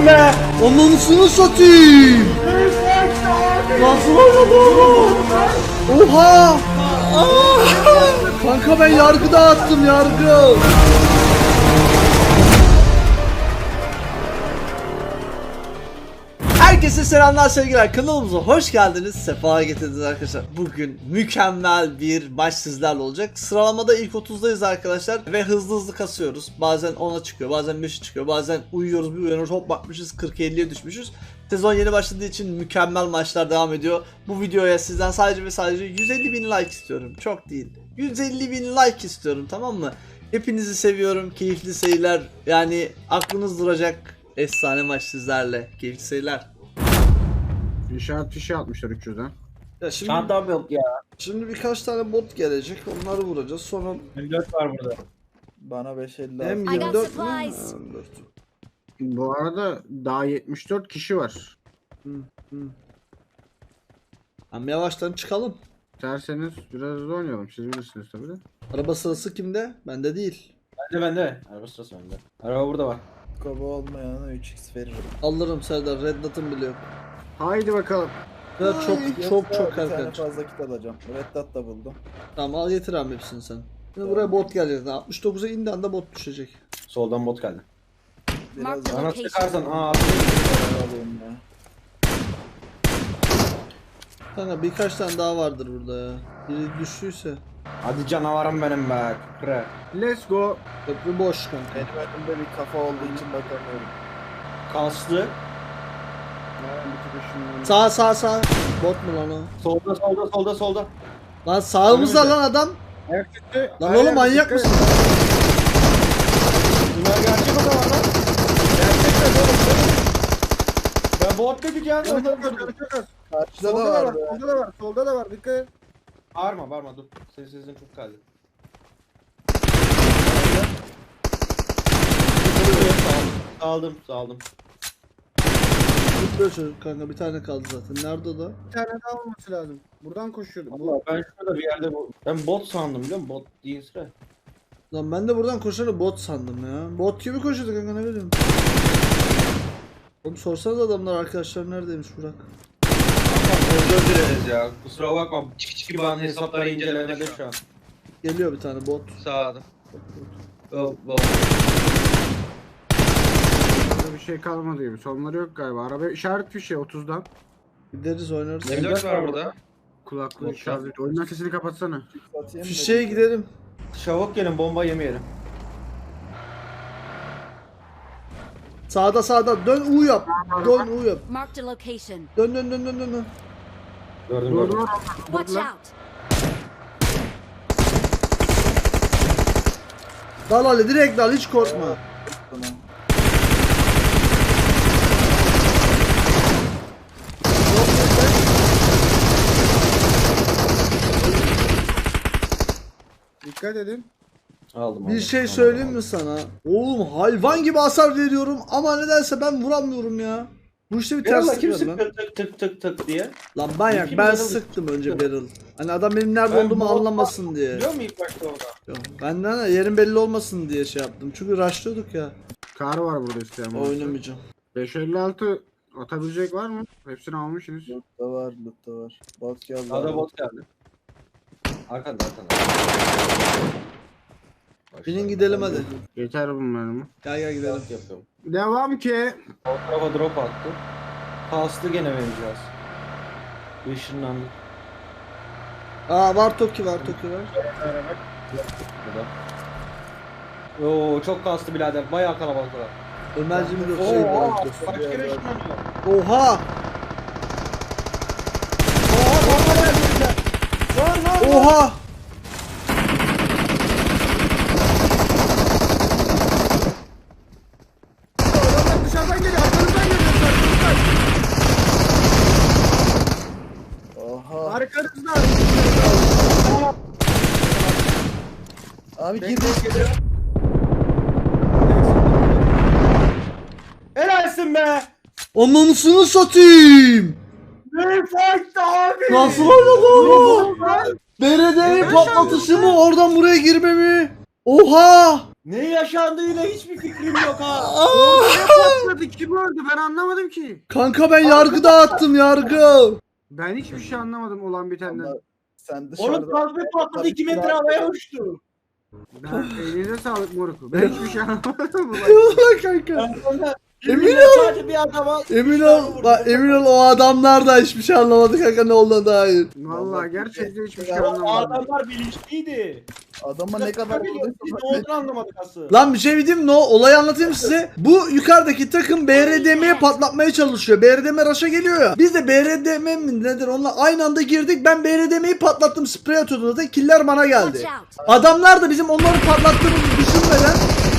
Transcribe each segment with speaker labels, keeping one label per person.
Speaker 1: Helalsin be.
Speaker 2: Ananısını satayım. Nasıl oynadı oğlum? Oha. Kanka ben yargı dağıttım, yargı. Herkese selamlar, sevgiler, kanalımıza hoş geldiniz, sefa getirdiniz arkadaşlar. Bugün mükemmel bir maç sizlerle olacak. Sıralamada ilk 30'dayız arkadaşlar ve hızlı hızlı kasıyoruz. Bazen 10'a çıkıyor, bazen 5'e çıkıyor, bazen uyuyoruz, bir uyanıyoruz, hop bakmışız 40-50'ye düşmüşüz. Sezon yeni başladığı için mükemmel maçlar devam ediyor. Bu videoya sizden sadece ve sadece 150.000 like istiyorum, çok değil, 150.000 like istiyorum, tamam mı? Hepinizi seviyorum, keyifli seyirler, yani aklınız duracak efsane maç sizlerle, keyifli seyirler.
Speaker 3: İnşaat fişi atmışlar 300'den.
Speaker 2: Ya şimdi,
Speaker 1: Çantam yok ya.
Speaker 2: şimdi birkaç tane bot gelecek, onları vuracağız. Sonra
Speaker 1: M4 var burada.
Speaker 4: Bana 5.50
Speaker 2: hem
Speaker 4: lazım.
Speaker 2: 24 mü?
Speaker 5: supplies.
Speaker 2: Ha, 24.
Speaker 3: Bu arada daha 74 kişi var.
Speaker 2: Hem yavaştan çıkalım.
Speaker 3: İsterseniz biraz hızlı oynayalım. Siz bilirsiniz tabii de.
Speaker 2: Araba sırası kimde? Bende değil.
Speaker 1: Bende. Araba sırası bende. Araba burada var.
Speaker 4: Koba olmayana 3x veririm.
Speaker 2: Alırım Serdar. Red Dot'um bile yok.
Speaker 3: Haydi bakalım.
Speaker 2: Ya çok
Speaker 4: Yoksa bir tane
Speaker 2: erken.
Speaker 4: fazla kit alacağım. Red Dot da buldum.
Speaker 2: Tamam, al getir abi hepsini sen. Şimdi buraya bot gelecek. 69'a indi anda bot düşecek.
Speaker 1: Soldan bot geldi.
Speaker 4: Biraz
Speaker 5: Mark the
Speaker 4: daha
Speaker 1: Bana
Speaker 5: location.
Speaker 1: sıkarsan
Speaker 4: alayım ya.
Speaker 2: Kanka birkaç tane daha vardır burada ya. Biri düştüyse.
Speaker 1: Hadi canavarım benim be. Kıpre.
Speaker 3: Let's go.
Speaker 2: Köprü boş kanka.
Speaker 4: Benim önümde bir kafa olduğu için bakamıyorum.
Speaker 1: Kaslı.
Speaker 3: Bir tık şunu-
Speaker 2: Sağ. Bot mu lan o?
Speaker 1: Solda.
Speaker 2: Lan sağımızda
Speaker 1: Önümüzde.
Speaker 2: lan adam.
Speaker 3: Ayak gitti.
Speaker 2: Lan oğlum manyak mısın?
Speaker 1: Bunlar gerçek o zaman lan. Gerçekten oğlum. Ben bot dedik ya.
Speaker 3: Çok az.
Speaker 4: Karşıda da
Speaker 3: Solda da var.
Speaker 4: var.
Speaker 3: Solda da var. Solda da var. Dikkat et.
Speaker 1: Bağırma dur. Sesin çok geldi. Saldım.
Speaker 2: Böyle çocuk kanka, bir tane kaldı zaten. Nerede o da?
Speaker 3: Bir tane daha olması lazım. Buradan koşuyordu.
Speaker 1: Allah ben şurada bir yerde ben bot sandım biliyor musun? Bot değil sıra.
Speaker 2: Lan ben de buradan koşanı bot sandım ya. Bot gibi koşuyordu kanka, ne bileyim. Oğlum sorsanız adamlar, arkadaşlar neredeymiş Burak?
Speaker 1: Özür dileriz ya. Kusura bakma. Çiki bana hesapları incelemede şu an.
Speaker 2: Geliyor bir tane bot.
Speaker 1: Sağda.
Speaker 3: Burada bir şey kalmadı gibi. Sonları yok galiba. Araba işaret fişi 30'dan.
Speaker 2: Gideriz, oynarız.
Speaker 1: M4 var burada.
Speaker 3: Kulaklığı
Speaker 1: Yok
Speaker 3: şarj et. Oyundan sesini kapatsana.
Speaker 4: Atayım
Speaker 2: Fişeğe
Speaker 4: da-
Speaker 2: gidelim.
Speaker 1: Çabuk gelin bomba yemeyelim.
Speaker 2: Sağda. Dön U yap. Dön U yap.
Speaker 5: Marked a location.
Speaker 2: Dön.
Speaker 1: Gördüm.
Speaker 3: Doğru.
Speaker 5: Watch out.
Speaker 2: Dal Ali, direkt dal, hiç korkma.
Speaker 4: Tamam.
Speaker 3: Dikkat edin.
Speaker 1: Aldım.
Speaker 2: Bir şey söyleyeyim mi sana? Oğlum hayvan gibi hasar veriyorum ama nedense ben vuramıyorum ya. Bu işte bir
Speaker 1: Allah
Speaker 2: terslik
Speaker 1: kim
Speaker 2: var lan.
Speaker 1: sıktı tık diye.
Speaker 2: Lan manyak,
Speaker 1: Kim
Speaker 2: ben
Speaker 1: adamı
Speaker 2: sıktım önce
Speaker 1: sıktı?
Speaker 2: barrel. Hani adam benim nerede
Speaker 1: Ben
Speaker 2: olduğumu
Speaker 1: bot-
Speaker 2: anlamasın diye.
Speaker 1: Biliyor musun ilk başta orada?
Speaker 2: Yok, benden de yerin belli olmasın diye şey yaptım. Çünkü rushlıyorduk ya.
Speaker 3: Kar var burada isteyen. varsa.
Speaker 2: Oynamayacağım.
Speaker 3: 556 atabilecek var mı? Hepsini almışsınız.
Speaker 4: Loot da var. Bot geldi.
Speaker 1: Sağda bot geldi. Arkanda.
Speaker 2: Binin gidelim hadi.
Speaker 3: Yeter bunların.
Speaker 2: Gel gidelim.
Speaker 1: Yapıyorum.
Speaker 3: Devam ki.
Speaker 1: O tarafa drop attı. Kastı gene vereceğiz. Işınlandı.
Speaker 2: Aa var Toki var.
Speaker 1: Burada. Oo çok kastı birader. Bayağı kalabalık var.
Speaker 2: Ömerciğim de
Speaker 1: Oo,
Speaker 2: şey
Speaker 1: aa,
Speaker 2: var.
Speaker 1: kaç kere ışınlanıyor?
Speaker 2: Oha!
Speaker 1: Lan.
Speaker 2: Oha!
Speaker 3: Dışarıdan geliyor. Arkanızdan geliyor.
Speaker 4: Oha.
Speaker 3: Arkanızdan.
Speaker 4: Abi gir.
Speaker 1: Helalsin be.
Speaker 2: Ananısını satayım!
Speaker 1: Ne farklı abi?
Speaker 2: Nasıl oynadı oğlum? BRD'yi patlatışı mı? Oradan buraya girme mi? Oha!
Speaker 1: Ne yaşandığıyla hiçbir fikrim yok ha.
Speaker 3: Ne patladı? Kim öldü? Ben anlamadım ki.
Speaker 2: Kanka ben yargı dağıttım yargı.
Speaker 3: Ben hiçbir şey anlamadım olan bitenden.
Speaker 4: Ama sen dışarıda...
Speaker 1: Oğlum kalbe patladı 2 metre havaya uçtu.
Speaker 3: Ben elinize sağlık moruk. Ben hiçbir şey anlamadım.
Speaker 2: Eyvallah kanka. Emin ol.
Speaker 1: Sadece bir adama
Speaker 2: Emin ol. Bak emin ol o adamlar da hiçbir şey anlamadı kanka ne olduğuna dair.
Speaker 3: Vallahi gerçekten hiçbir şey
Speaker 1: O
Speaker 3: anlamadım.
Speaker 1: adamlar bilinçliydi.
Speaker 4: Adama ne kadar
Speaker 1: Biz
Speaker 4: vurduysa
Speaker 1: ne olduğunu anlamadık aslında.
Speaker 2: Lan bir şey diyeyim mi? Olayı anlatayım size. Bu yukarıdaki takım BRDM'ye patlatmaya çalışıyor. BRDM rush'a geliyor ya. Biz de BRDM mi nedir onunla aynı anda girdik. Ben BRDM'yi patlattım. Sprey atıyordum zaten. Killer bana
Speaker 5: Watch
Speaker 2: geldi.
Speaker 5: out!
Speaker 2: Adamlar da bizim onları patlattığımızı düşünmeden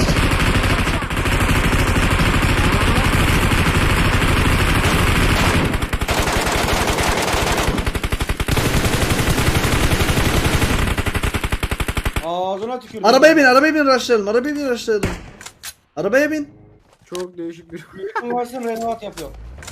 Speaker 1: Ağzına tükürdüm.
Speaker 2: arabaya bin rushlayalım. Arabaya bin rushlayalım. Arabaya bin.
Speaker 3: Çok değişik bir...
Speaker 1: Yakın varsın Renault yapıyor.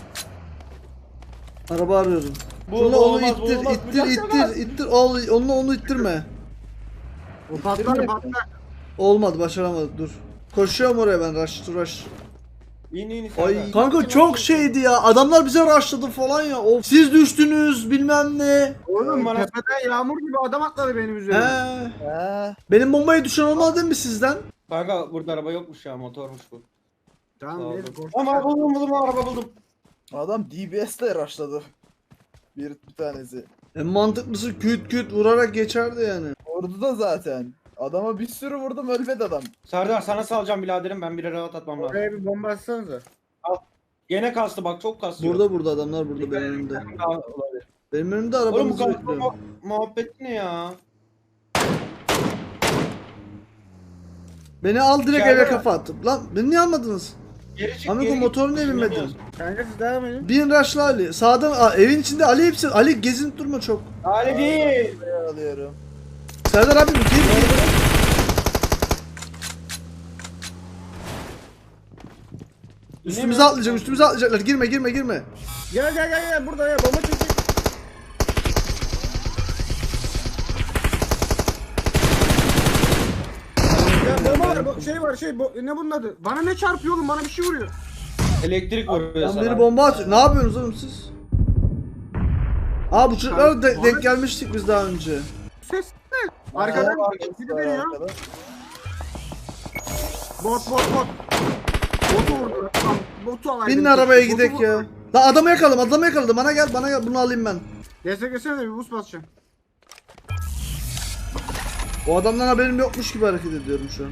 Speaker 2: Araba arıyorum.
Speaker 1: Bu
Speaker 2: Şunla onu
Speaker 1: olmaz, bu
Speaker 2: ittir,
Speaker 1: olmaz,
Speaker 2: ittir,
Speaker 1: bu
Speaker 2: ittir,
Speaker 1: yapamaz.
Speaker 2: ittir. Onunla onu ittirme.
Speaker 3: O patlar patlar.
Speaker 2: Olmadı, başaramadık. Dur. Koşuyorum oraya ben. Rush.
Speaker 1: İn
Speaker 2: Ay kanka çok şeydi ya. Adamlar bize rushladı falan ya. Of. Siz düştünüz bilmem ne.
Speaker 3: Oğlum
Speaker 1: Bana-
Speaker 3: tepeden yağmur gibi adam atladı benim üzerime.
Speaker 2: He.
Speaker 4: He.
Speaker 2: Benim bombayı düşen olmadı değil mi sizden?
Speaker 1: Kanka burada araba yokmuş ya, motormuş bu.
Speaker 3: Tamam neyse koş.
Speaker 1: Ama buldum araba buldum.
Speaker 4: Adam DBS'le rushladı. Bir tanesi.
Speaker 2: En mantıklısı küt vurarak geçerdi yani.
Speaker 4: Ordu da zaten. Adama bir sürü vurdum ölmedi adam.
Speaker 1: Serdar sana salacağım biraderim, ben bir rahat atmam lazım.
Speaker 3: Oraya bir bomba atsanıza.
Speaker 1: Gene kastı bak, çok kastıyor.
Speaker 2: Burada adamlar burada benim önümde.
Speaker 1: Daha olabilir.
Speaker 2: Benim önümde
Speaker 1: Oğlum bu
Speaker 2: arabamızı
Speaker 1: kastı
Speaker 2: bekliyor.
Speaker 1: muhabbet ne ya?
Speaker 2: Beni al direkt
Speaker 1: İçeride
Speaker 2: eve
Speaker 1: mi?
Speaker 2: kafa attım. Lan beni niye almadınız?
Speaker 1: Geri çık,
Speaker 2: Amigo
Speaker 1: geri git.
Speaker 2: motoru niye binmedin?
Speaker 1: Bilmiyoruz.
Speaker 3: Kanka siz devam edin.
Speaker 2: Bin rush'la Ali. Sağdan evin içinde Ali hepsi. Ali gezinip durma çok.
Speaker 1: Ali değil.
Speaker 4: Buraya alıyorum.
Speaker 2: Serdar abi gir. Üstümüze atlayacaklar. Girme.
Speaker 3: Gel burada ya bomba çekecek. Ya bomba var ne bunun adı? Bana ne çarpıyor oğlum, bana bir şey vuruyor.
Speaker 1: Elektrik vuruyor
Speaker 2: Lan
Speaker 1: sana.
Speaker 2: biri bomba atıyor. Ne yapıyorsunuz oğlum siz? Aa bu çocuklara denk gelmiştik biz daha önce.
Speaker 3: Ses ne? Arkadan biri deniyor.
Speaker 4: Arkada.
Speaker 3: Bot. Botu vurdu. Tamam, botu alaydım.
Speaker 2: Binin arabaya
Speaker 3: Botu
Speaker 2: gidek
Speaker 3: vurdu.
Speaker 2: ya. La adamı yakaladı. Bana gel. Bunu alayım ben.
Speaker 3: Destekesene de bir boost basacağım.
Speaker 2: O adamdan haberim yokmuş gibi hareket ediyorum şu an.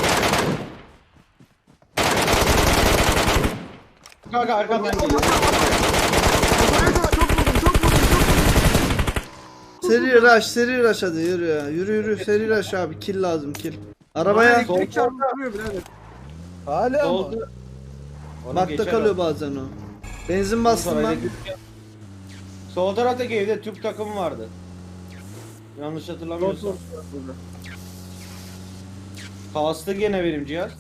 Speaker 1: Kanka arkamdan geliyor.
Speaker 3: Çok vurdum.
Speaker 2: Seri rush hadi yürü ya. Yürü seri rush abi. Kill lazım kill. Arabaya
Speaker 3: Elektrik çarpıyor birader.
Speaker 4: Hala mı?
Speaker 1: Oldu. Onu
Speaker 2: bakta
Speaker 1: geçer
Speaker 2: kalıyor
Speaker 1: o.
Speaker 2: bazen o. Benzin bastım
Speaker 1: Sonra
Speaker 2: ben.
Speaker 1: elektrik- Sol taraftaki evde Türk takımı vardı. Yanlış hatırlamıyorsam. Kastı gene benim cihaz.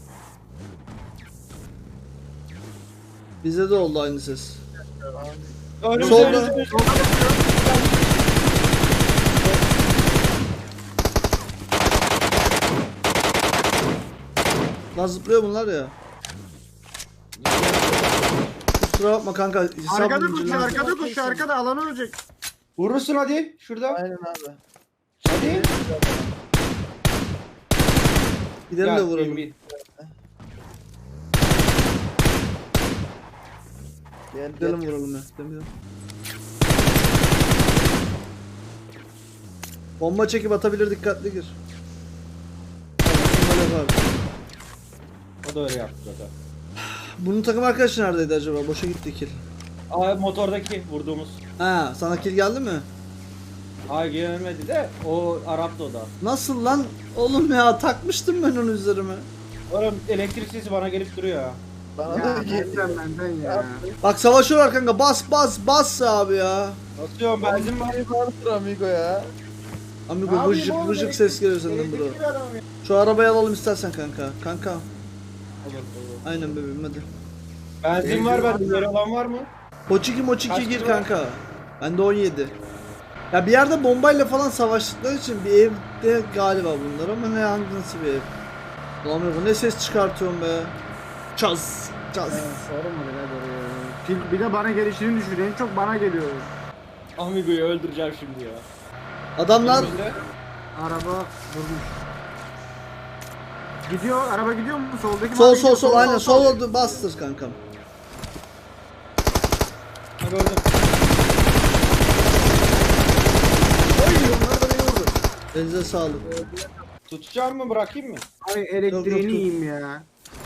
Speaker 2: Bize de oldu aynı ses.
Speaker 1: Önümüzde,
Speaker 2: Solda.
Speaker 1: önümüzde.
Speaker 2: Lan zıplıyor bunlar ya. Kusura bakma kanka.
Speaker 3: Arkada koş, arkada alanı ölecek.
Speaker 1: Vurursun hadi şurada.
Speaker 4: Aynen abi.
Speaker 1: Hadi.
Speaker 2: Gidelim de vuralım.
Speaker 1: bin.
Speaker 2: Gidelim vuralım ya. Gidelim. Bomba çekip atabilir, dikkatli gir. Böyle var.
Speaker 1: O da öyle yaptı zaten.
Speaker 2: Bunun takım arkadaşı neredeydi acaba? Boşa gitti kill.
Speaker 1: Aa, motordaki vurduğumuz.
Speaker 2: Ha, sana kill geldi mi?
Speaker 1: Ay gelmedi de o Arap'tı o da.
Speaker 2: Nasıl lan? Oğlum ya takmıştım ben onu üzerime.
Speaker 1: Oğlum elektrik sesi bana gelip duruyor ya.
Speaker 4: Bana
Speaker 3: Ya
Speaker 4: da geldi.
Speaker 3: benden ya.
Speaker 2: Bak savaşıyorlar kanka. Bas abi ya.
Speaker 1: Basıyorum benzin var.
Speaker 4: Vardır amigo ya.
Speaker 2: Amigo
Speaker 1: Ne
Speaker 2: vıcık
Speaker 1: yapayım oğlum,
Speaker 2: vıcık ses geliyor senden bro.
Speaker 1: Elektrikli bir adamım ya.
Speaker 2: Şu arabayı alalım istersen kanka. Kanka.
Speaker 1: Olur, olur.
Speaker 2: Aynen bebeğim hadi.
Speaker 1: Benzin var bende. Yer olan var mı?
Speaker 2: Moçiki
Speaker 1: Kaç
Speaker 2: gir
Speaker 1: kilo?
Speaker 2: kanka. Bende 17. Ya bir yerde bombayla falan savaştıkları için bir evde galiba bunlar ama ne hangi nasıl bir ev? Ulan bu ne ses çıkartıyorum be. Çaz. Çaz.
Speaker 3: Sorma birader ya. Bir de bana gelişini düşün. En çok bana geliyor.
Speaker 1: Amigo'yu öldüreceğim şimdi ya.
Speaker 2: Adamlar
Speaker 1: Önümüzde.
Speaker 3: Araba vurmuş. Gidiyor. Araba gidiyor mu? Soldaki
Speaker 2: sol
Speaker 3: mavi
Speaker 2: sol
Speaker 3: gidiyor.
Speaker 2: sol aynen sol oldu bastır kankam.
Speaker 1: Ha, gördüm.
Speaker 4: Oy onlar da beni vurdu.
Speaker 2: Elinize sağlık.
Speaker 1: Tutacağım mı bırakayım mı?
Speaker 3: Ay
Speaker 2: Yok,
Speaker 3: elektriğini
Speaker 2: yok.
Speaker 3: yiyeyim ya.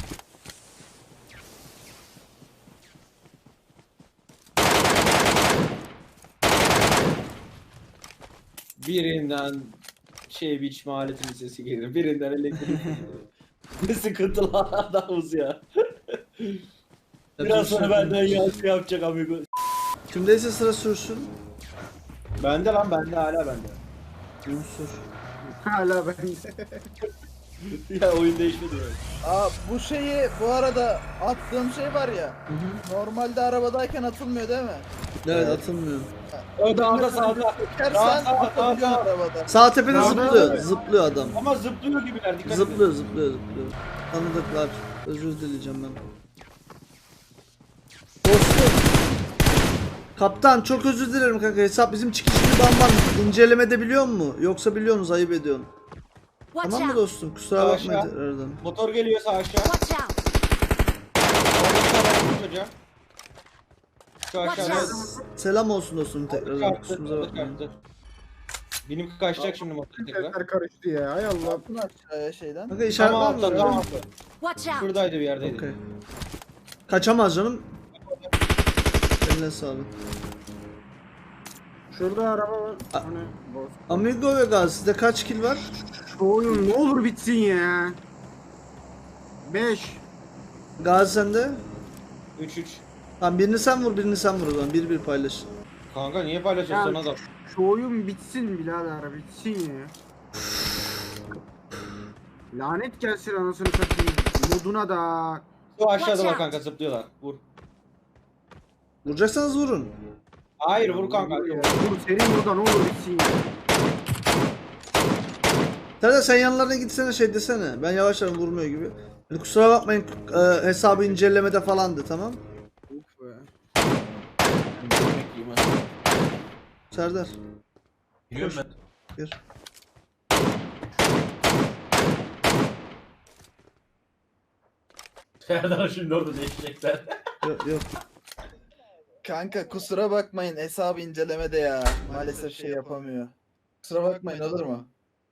Speaker 1: Birinden biçme aletinin sesi gelir. Birinden elektrik. Ne sıkıntılı adamız ya. Biraz sonra benden yansın yapacak amigo.
Speaker 2: Kimdeyse sıra sürsün.
Speaker 1: Bende lan bende hala bende.
Speaker 2: Sür.
Speaker 3: Hala ben.
Speaker 1: Ya oyun değişmedi yani.
Speaker 4: Aa bu şeyi bu arada attığım şey var ya. Normalde arabadayken atılmıyor değil mi?
Speaker 2: Evet atılmıyor.
Speaker 1: O dağda sağda.
Speaker 4: Çekersen
Speaker 1: Sağ,
Speaker 4: atabiliyor
Speaker 1: sağ.
Speaker 4: arabada.
Speaker 2: Sağ tepede
Speaker 3: Sağda
Speaker 2: zıplıyor.
Speaker 3: evet.
Speaker 2: Zıplıyor adam.
Speaker 1: Ama zıplıyor gibiler dikkat edin.
Speaker 2: Zıplıyor zıplıyor zıplıyor. Tanıdıklar. Özür dileyeceğim ben. Dostum. Kaptan çok özür dilerim kanka. Hesap bizim çıkışını bamban incelemede biliyor mu? Yoksa biliyorsunuz ayıp ediyorsun.
Speaker 5: Watch
Speaker 2: Tamam mı
Speaker 5: out!
Speaker 2: dostum? Kusura bakma
Speaker 1: Aşağı.
Speaker 2: tekrardan.
Speaker 1: Motor geliyor sağ aşağı.
Speaker 5: Watch out!
Speaker 1: Orada çocuğa. Şu aşağıda.
Speaker 2: Selam olsun dostum tekrardan.
Speaker 1: Çarptı,
Speaker 2: Kusurumuza bakmayın.
Speaker 1: çarptı. Benim kaçacak şimdi motor tekrar.
Speaker 3: Sesler karıştı ya. Hay Allah.
Speaker 4: Attın aşağıya şeyden.
Speaker 2: Kanka işaret
Speaker 1: Tamam
Speaker 2: var mı?
Speaker 1: atla tamam atla.
Speaker 5: Watch out!
Speaker 1: Şuradaydı bir yerdeydi.
Speaker 2: Okey. Kaçamaz canım. Eline sağlık.
Speaker 3: Şurada araba var.
Speaker 2: A-
Speaker 3: Hani boş.
Speaker 2: Amigo ve Gaz sizde kaç kill var?
Speaker 3: Şu oyun ne olur bitsin ya. 5.
Speaker 2: Gaz sende?
Speaker 1: 3-3.
Speaker 2: Tamam birini sen vur birini sen vur o zaman. 1-1 paylaş.
Speaker 1: Kanka niye paylaşıyorsun
Speaker 3: Ya,
Speaker 1: adam?
Speaker 3: Şu oyun bitsin birader bitsin ya. Lanet gelsin anasını satayım. Moduna da.
Speaker 1: Şu aşağıda
Speaker 5: Watch
Speaker 1: bak
Speaker 5: out.
Speaker 1: kanka zıplıyorlar. Vur.
Speaker 2: Vuracaksanız vurun.
Speaker 1: Hayır vur kanka.
Speaker 3: Ya, Dur senin burada ne olur bitsin ya.
Speaker 2: Serdar sen yanlarına gitsene şey desene. Ben yavaş yavaş vurmuyor gibi. Hani kusura bakmayın hesabı incelemede falandı tamam.
Speaker 3: Uf be.
Speaker 2: Serdar.
Speaker 1: Biliyorum ben.
Speaker 2: Gir.
Speaker 1: Serdar şimdi orada değişecekler.
Speaker 2: Yok yok.
Speaker 4: Kanka kusura bakmayın hesabı incelemede ya. Maalesef şey yapamıyor. Kusura bakmayın olur mu?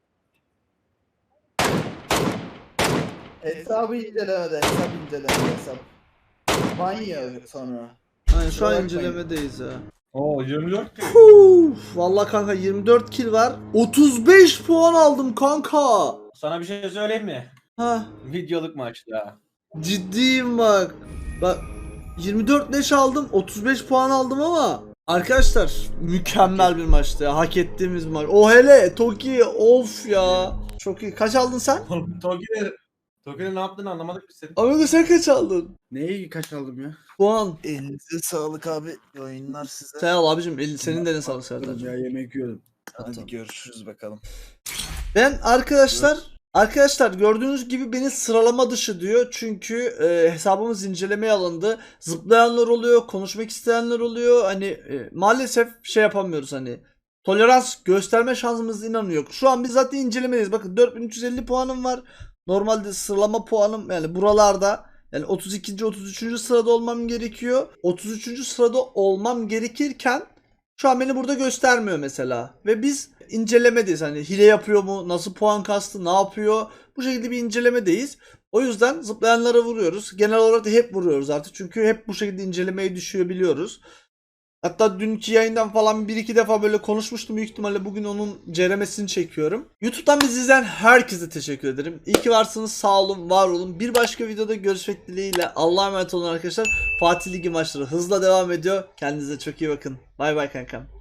Speaker 4: Hesabı incelemede hesap. Banyo sonra.
Speaker 2: Aynen şu an
Speaker 4: bakmayın.
Speaker 2: incelemedeyiz ya.
Speaker 1: Oo 24 ki.
Speaker 2: Vallahi kanka 24 kill var. 35 puan aldım kanka.
Speaker 1: Sana bir şey söyleyeyim mi?
Speaker 2: Ha
Speaker 1: Videoluk maçta.
Speaker 2: ciddiyim bak. Bak 24 leş aldım 35 puan aldım ama arkadaşlar mükemmel bir maçtı ya. Hak ettiğimiz bir maç. O hele Toki of ya. Çok iyi. Kaç aldın sen?
Speaker 1: Toki'nin ne yaptığını anlamadık biz senin.
Speaker 2: Amigo sen kaç aldın?
Speaker 3: Neyi kaç aldım ya?
Speaker 2: Puan.
Speaker 4: Elinize sağlık abi. Oyunlar size.
Speaker 2: Sen al abicim. Senin de ne sağlık Serdar.
Speaker 3: Ya yemek yiyordum.
Speaker 4: Hadi görüşürüz bakalım.
Speaker 2: Ben arkadaşlar gördüğünüz gibi beni sıralama dışı diyor. Çünkü hesabımız incelemeye alındı. Zıplayanlar oluyor, konuşmak isteyenler oluyor. Hani maalesef şey yapamıyoruz hani. Tolerans gösterme şansımız inan yok. Şu an biz zaten incelemedeyiz. Bakın 4350 puanım var. Normalde sıralama puanım yani buralarda. Yani 32. 33. sırada olmam gerekiyor. 33. sırada olmam gerekirken şu an beni burada göstermiyor mesela. Ve biz incelemedeyiz. Hani hile yapıyor mu? Nasıl puan kastı? Ne yapıyor? Bu şekilde bir incelemedeyiz. O yüzden zıplayanlara vuruyoruz. Genel olarak da hep vuruyoruz artık. Çünkü hep bu şekilde incelemeye düşüyor biliyoruz. Hatta dünkü yayından falan bir iki defa böyle konuşmuştum. Büyük ihtimalle bugün onun ceremesini çekiyorum. YouTube'dan bizi izleyen herkese teşekkür ederim. İyi ki varsınız. Sağ olun, var olun. Bir başka videoda görüşmek dileğiyle. Allah'a emanet olun arkadaşlar. Fatih Ligi maçları hızla devam ediyor. Kendinize çok iyi bakın. Bay bay kankam.